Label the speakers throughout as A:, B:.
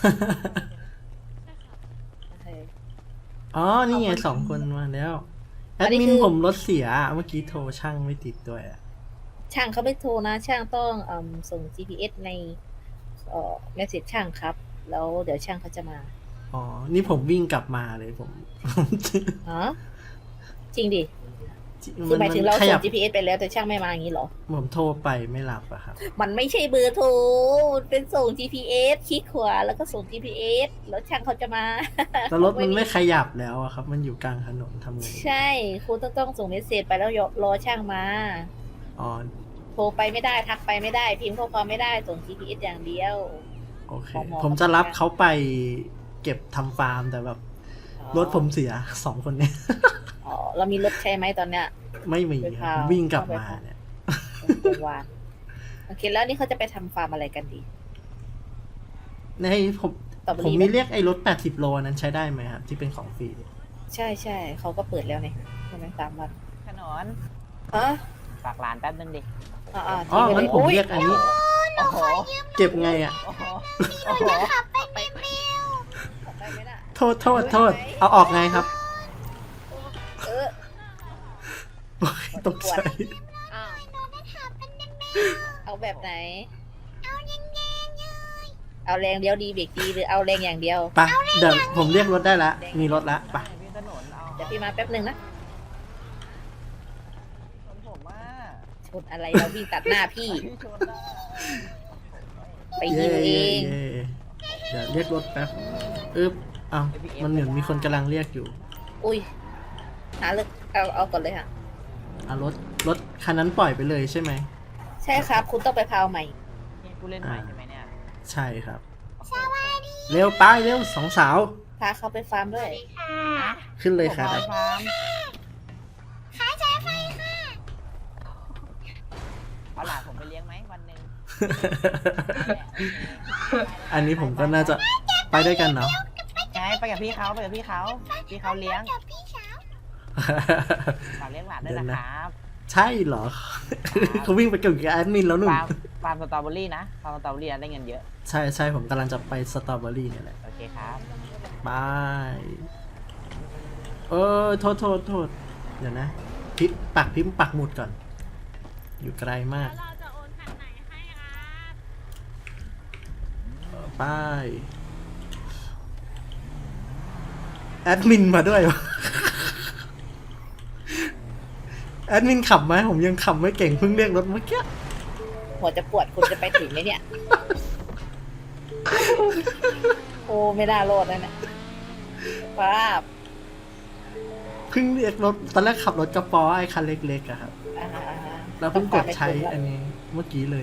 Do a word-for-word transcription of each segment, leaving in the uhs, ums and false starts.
A: โอเค
B: อ๋อ นี่ไง
A: ขอบคุณ
B: สองคนมาแล้ว แอด
A: อันนี้คือ
B: มินผมรถเสียเมื่อกี้โทรช่างไม่ติดด้วยอะ
A: ช่างเขาไม่โทรนะ ช่างต้องเอมส่ง จี พี เอส ในเอ่อเมสเซจช่างครับ แล้วเดี๋ยวช่างเขาจะมา
B: อ๋อ นี่ผมวิ่งกลับมาเลยผม
A: ฮะจริงดิ คื
B: มัน
A: อหมาย
B: มัน
A: ถึงเรา
B: ขยั
A: ส่ง
B: บ
A: จี พี เอส ไปแล้วแต่ช่างไม่มาอย่างนี้เหรอ
B: ผมโทรไปไม่รับอะครับ
A: มันไม่ใช่เบอร์โทรมันเป็นส่ง จี พี เอส คลิกขวาแล้วก็ส่ง จี พี เอส แล้วช่างเขาจะมา
B: แต่รถมันไม่ขยับแล้วอะครับ มันอยู่กลางถนนทำไง
A: ใช่คุณต้องต้องส่งเมสเซจไปแล้วรอช่างมา
B: อ๋อ
A: โทรไปไม่ได้ทักไปไม่ได้พิมพ์ข้อความไม่ได้ส่ง จี พี เอส อย่างเดียว
B: โอเค
A: หมอ
B: ผมจะรับเขาไปเก็บทำฟาร์มแต่แบบ
A: อ๋อ
B: รถผมเสียสองคนเนี้ย
A: อ๋อเรามีรถใช่ไหมตอนเนี้ย
B: ไม่มี
A: ไป
B: ครับ
A: พาว
B: วิ่งกลับ
A: เข้าไป
B: มา
A: พาว
B: เนี่ย
A: โรงพยาบาลโอเคแล้วนี่เขาจะไปทำฟาร์มอะไรกันดี
B: ในผม
A: สตรอเบอ
B: ผม
A: รี่
B: มี
A: ไหม
B: เรียกไอ้รถแปดสิบโลนั้นใช้ได้ไหมครับ ที่เป็นของฟรี
A: ใช่ใช่เขาก็เปิดแล้วเนี่ยใช่ไหมสามวัน
C: ขนน
A: ฮะ
C: ฝากหลานแป๊บนึงดิ
A: อ่าอ่า
B: อ๋อ
A: ทิ้งไป
B: งั้น
A: เลย
B: ผม
A: โอ้ย
B: เรียกอันนี้
C: โอ้โห
B: เก็บไงอ่ะ
C: โอ้โห โอ้โห
A: ไปไหมน่ะ
B: โทษโทษโทษ เอาออกไงครับ
A: เออ
B: โอ้ยตกใจ
A: อ้าวเอาแบบไหน เอาแรงเดียวดีเบรกดีหรือเอาแรงอย่างเดียว
B: ไปะเดี๋ยวผมเรียกรถได้ละ มีรถละไปะ
C: พี่ถนนเอา
A: เดี๋ยวพี่มาแป๊บหนึ่งนะ
C: ชนผมว่า
A: ชนอะไรเราวิ่งตัดหน้าพี่
C: พี่ชนได้
A: ไป
B: เย่
A: ยิงเอ
B: เย่
A: ง
B: เย่เดี๋ยวเรียกรถแป๊บอึ๊บเอามันเหมือนมีคนกำลังเรียกอยู่
A: อุ้ยหาเลือกเอาเอาก่อนเลยค่ะ
B: เอารถรถคันนั้นปล่อยไปเลยใช่ไหม
A: ใช่ครับ คุณต้องไปพาวใหม่
C: นี่ผู้เล่นใหม่ใช่ไหมเนี่ย
B: ใช่ครับ เร็วไปเร็วสองสาว
A: พาเขาไปฟาร์มด้วย
B: ขึ้นเลยครับ
C: ผมมาฟาร์มเอาหลานผมไปเลี้ยงไหมวันหนึ่ง
B: อันนี้ผมก็น่าจะไปด้วยกันเนาะ
C: ไงไปกับพี่เขาไปกับพี่เขาพี่เขาเลี้ยงฝากเลี้ยงหลานด้วยนะครับ
B: ใช่เหรอ เขาวิ่งไปเกี่ยวกับแอดมินแล้วหนุ่ม
C: ฟาร์มฟาร์มสตรอเบอรี่นะฟาร์มสตรอเบอรี่ได้เงินเยอะ
B: ใช่ใช่ผมกำลังจะไปสตรอเบอรี่เนี่ยแหละ
C: โอเคครับ
B: บายเออโทษโทษโทษเดี๋ยวนะพิมพ์ปักพิมพ์ปักหมุดก่อน อยู่ไกลมาก
D: เราจะโอนคันไหนให้ครับ
B: ไปแอดมินมาด้วยวะ แอดมินขับไหมผมยังขับไม่เก่งเพิ่งเรียกรถเมื่อกี้
A: หัวจะปวดคุณจะไปถึงไหมเนี่ย โอ้ไม่น่ารอดนะเนี่ยภาพ
B: เพิ่งเรียกรถตอนแรกขับรถกระป๋อไอ้คันเล็กๆอะครับ
A: อ่า
B: แล้วเพิ่งกดใช้อันนี้เมื่อกี้เลย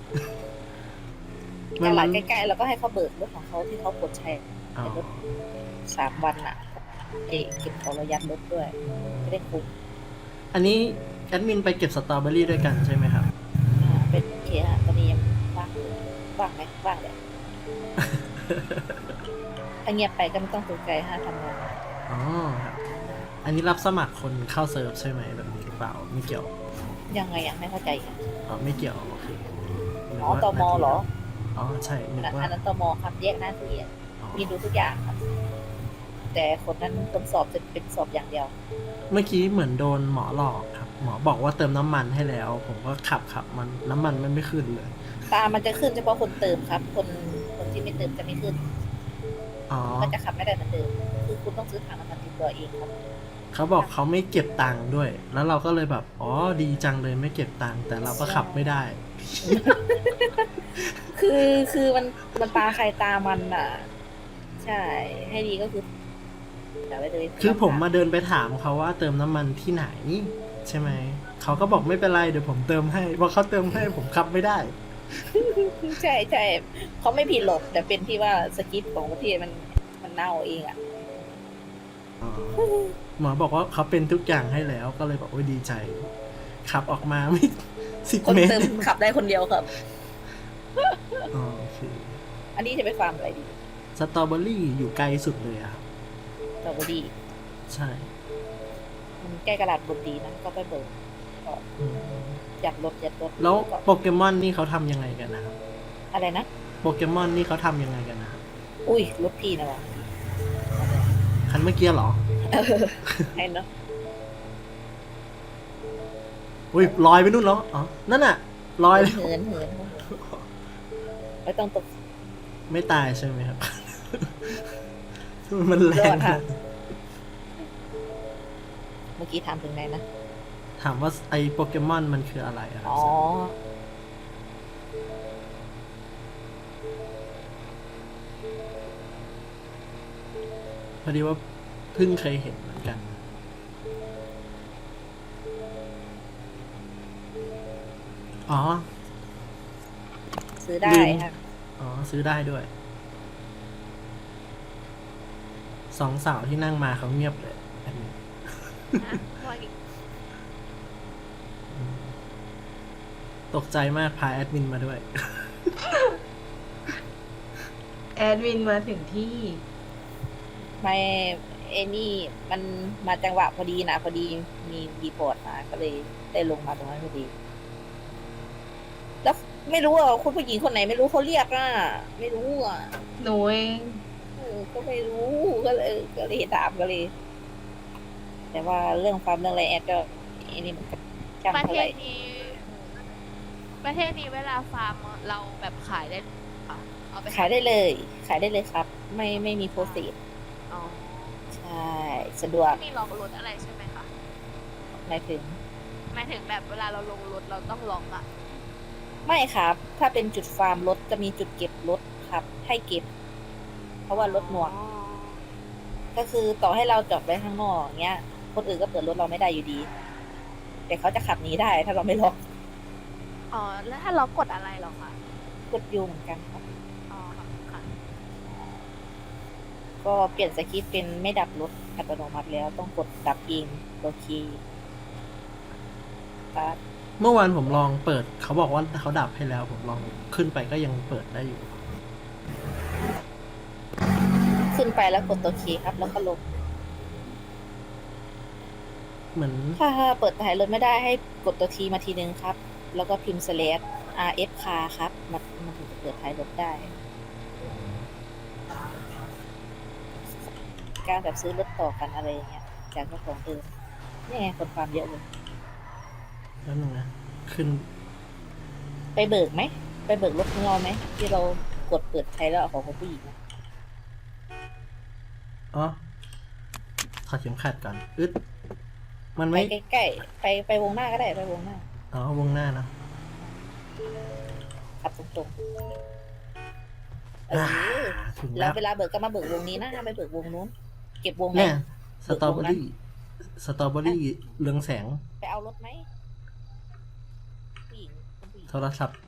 A: อย่างหลังใกล้ๆเราก็ให้เขาเบิกรถของเขาที่เขากดใช้
B: อ๋อ
A: รถสามวันน่ะเอกเก็บของระยัดรถด้วยไม่ได้คุ้ม
B: อันนี้แอดมินไปเก็บสตรอเบอรี่ด้วยกันใช่ไหมครับ
A: อ่าเป็นโอเคฮะตอนนี้ยังว่างอยู่ว่างไหมว่างเลยถ้าเงียบไปก็ไม่ต้องตกใจฮะทำงาน
B: อ๋อครับ อันนี้รับสมัครคนเข้าเซิร์ฟใช่ไหมแบบนี้หรือเปล่าไม่เกี่ยว
A: ยังไงยังไม่เข้าใจค่ะ
B: อ๋อไม่เกี่ยวโอเคนึก
A: อ๋อ
B: ว่า
A: ตมเหรอ
B: อ๋อใช่นึก
A: อัน
B: ว่า
A: นั้นตมครับแยกหน้าที่อะ
B: อ๋อ
A: มีดูทุกอย่างครับ แต่คนนั้นคนสอบจะเป็นสอบอย่างเดียว
B: เมื่อกี้เหมือนโดนหมอหลอกครับ หมอบอกว่าเติมน้ำมันให้แล้ว ผมก็ขับขับมันน้ำมันมันไม่ขึ้นเลย
A: ตามันจะขึ้นเฉพาะคนเติมครับ คนคนที่ไม่เติมจะไม่ขึ้น
B: อ๋อ
A: ก็จะขับไม่ได้เหมือนเดิมคือคุณต้องซื้อถังน้ำมันติดตัวเองครับ
B: เขาบอกเขาไม่เก็บตังค์ด้วย แล้วเราก็เลยแบบอ๋อดีจังเลยไม่เก็บตังค์แต่เราก็ขับไม่ได้
A: คือคือมันมันตาใครตามันอ่ะ ใช่ ให้ดีก็คืออย่าไปเลย
B: คือผมมาเดินไปถามเขาว่าเติมน้ำมันที่ไหนใช่ไหม เขาก็บอกไม่เป็นไรเดี๋ยวผมเติมให้เพราะเขาเติมให้ผมขับไม่ได้
A: ใช่ใช่เขาไม่ผิดหรอกแต่เป็นที่ว่าสคริปต์ของประเทศมันมันเน่าเองอ่ะ
B: หมอบอกว่าเขาเป็นทุกอย่างให้แล้วก็เลยบอกโอ้ยดีใจ ขับออกมาไม่ สิบ
A: คน
B: เมตร
A: เติมขับได้คนเดียวครับ
B: อ๋อโอเค
A: อันนี้จะไปฟาร์มอะไรดี
B: สตรอเบอรี่อยู่ไกลสุดเลยอะครับ
A: สตรอเบอรี่
B: ใช่
A: มันใกล้กระดาษบนดีนะก็ไปเบิกก็
B: อืม
A: ยัดรถยัดรถ
B: แล้ว
A: ก็
B: โปเกมอนนี่เขาทำยังไงกันนะครับ
A: อะไรนะ
B: โปเกมอนนี่เขาทำยังไงกันนะครับ
A: อุ้ยรถพี่นะวะ
B: คันเมื่อกี้เหรอ
A: ไอ้เนาะ
B: อุ้ยลอยไปนู่นแล้วอ๋อ นั่นน่ะลอยแล้ว
A: เหินเหินไม่ต้องตก
B: ไม่ตายใช่ไหมครับ มันแร
A: รอง ดค่ะ เมื่อกี้ถามถึงไหนนะ
B: ถามว่าไอโปเกมอนมันคืออะไรอะครับ
A: อ๋อ
B: พอดีว่าเพิ่งเคยเห็นเหมือนกัน อ๋อ
A: ซื้อได้
B: ลืม
A: ค่ะ
B: อ๋อ ซื้อได้ด้วย สองสาวที่นั่งมาเขาเงียบเลยอันนี้
D: นะว่าอีก
B: ตกใจมากพาแอดมินมาด้วย
E: แอดมินมาถึงที่
A: ไม่เอนี่มันมาจังหวะพอดีนะพอดีมีรีพอร์ตมาก็เลยได้ลงมาตรงนั้นพอดี แล้วไม่รู้อ่ะคุณผู้หญิงคนไหนไม่รู้เขาเรียกอ่ะไม่รู้อ่ะ
E: หนูเอง
A: เออก็ไม่รู้ก็เลยก็เลยถามก็เลย แต่ว่าเรื่องฟาร์มเรื่องอะไรแอดก็ไอ้นี่มันก็จำ
D: ประ
A: เท่า
D: เท
A: ไหร่
D: ศนี้ ประเทศนี้เวลาฟาร์มเราแบบขายได้ค่ะเอาไป
A: ขายได้เลย ขายได้เลยครับ ไม่ไม่มีโปรเซส
D: อ๋อ
A: ใช่สะดวก
D: ไม่มีล็อกรถอะไรใช่ไหมคะ
A: หมายถึง
D: หมายถึงแบบเวลาเราลงรถเราต้องล็อกอะ
A: ไม่ครับ ถ้าเป็นจุดฟาร์มรถจะมีจุดเก็บรถครับ ให้เก็บ เพราะว่ารถหน่วง
D: อ๋อ
A: ก็คือต่อให้เราจอดไว้ข้างนอกอย่างเงี้ย คนอื่นก็เปิดรถเราไม่ได้อยู่ดี แต่เขาจะขับหนีได้ถ้าเราไม่ล็อก
D: อ๋อ แล้วถ้าเรากดอะไรเหรอคะ
A: กดยูเหมือนกันครับ
D: อ๋อค่ะ
A: ก็เปลี่ยนสคริปต์เป็นไม่ดับรถอัตโนมัติแล้วต้องกดดับเองโอเคครับ
B: เมื่อวานผมลองเปิด เขาบอกว่าเขาดับให้แล้ว ผมลองขึ้นไปก็ยังเปิดได้อยู่
A: ขึ้นไปแล้วกดตัวเคครับ แล้วก็ลง
B: เหมือน
A: ถ้าเปิดถ่ายรถไม่ได้ให้กดตัวทีมาทีนึงครับ แล้วก็พิมพ์ slash rf car ครับมันมันถึงจะเปิดถ่ายรถได้ การแบบซื้อรถต่อกันอะไรอย่างเงี้ย จากเจ้าของเดิมนี่ไงคนความเยอะเลย
B: แล้วนึงนะ ขึ้น
A: ไปเบิกไหม ไปเบิกรถของเราไหม ที่เรากดเปิดใช้แล้วเอาของคนผู้หญิงอะ
B: อ๋อถอดเข็มขัดก่อน อึด มัน
A: ไป
B: ไม่
A: ใกล้ๆไปไปวงหน้าก็ได้ไปวงหน้า
B: อ๋อ วงหน้าเนอะ
A: ขับตรงๆเอ
B: อ่า
A: อ
B: ถึง
A: แล้
B: แล้ว ว
A: เวลาเบิกก็มาเบิกวงนี้นะห้ามไปเบิกวงนู้น เก็บวงไหน
B: เนี่ย สตรอเบอรี่ สตรอเบอรี่เรืองแสง
A: ไปเอารถไหมผู้หญิงคุณผู้หญิง
B: โทรศัพท์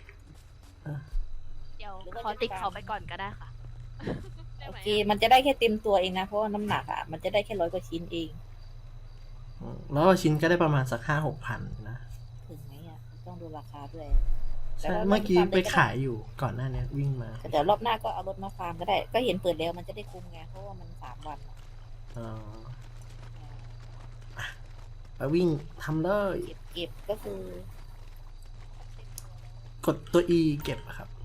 D: เดี๋ยว
A: หรือว่า
D: ขอ
A: จะ
D: ติด
A: ตาม
D: เขาไปก่อนก็ได้ค่ะ ได้
A: โอ
D: ไหม
A: เค มันจะได้แค่เต็มตัวเองนะ เพราะว่าน้ำหนักอ่ะ มันจะได้แค่ร้อยกว่าชิ้นเอง
B: อืมแล้วชิ้นก็ได้ประมาณสักห้าหกพันนะ
A: ถึงไหมอ่ะ ต้องดูราคาด้วย
B: ใช่
A: แต่ว่า
B: เมื่อกี้
A: มันมีความ
B: ไป
A: เป็นไปได้
B: ขายอยู่ก่อนหน้านี้วิ่งมา
A: แต่เดี๋ยวรอบหน้าก็เอารถมาฟาร์มก็ได้ ก็เห็นเปิดแล้วมันจะได้คุ้มไง เพราะว่ามันสามวันอะ
B: อ๋อไปวิ่งทำเลย
A: เก็บเก็บก็คือ
B: กดตัว E เก็บอะครับ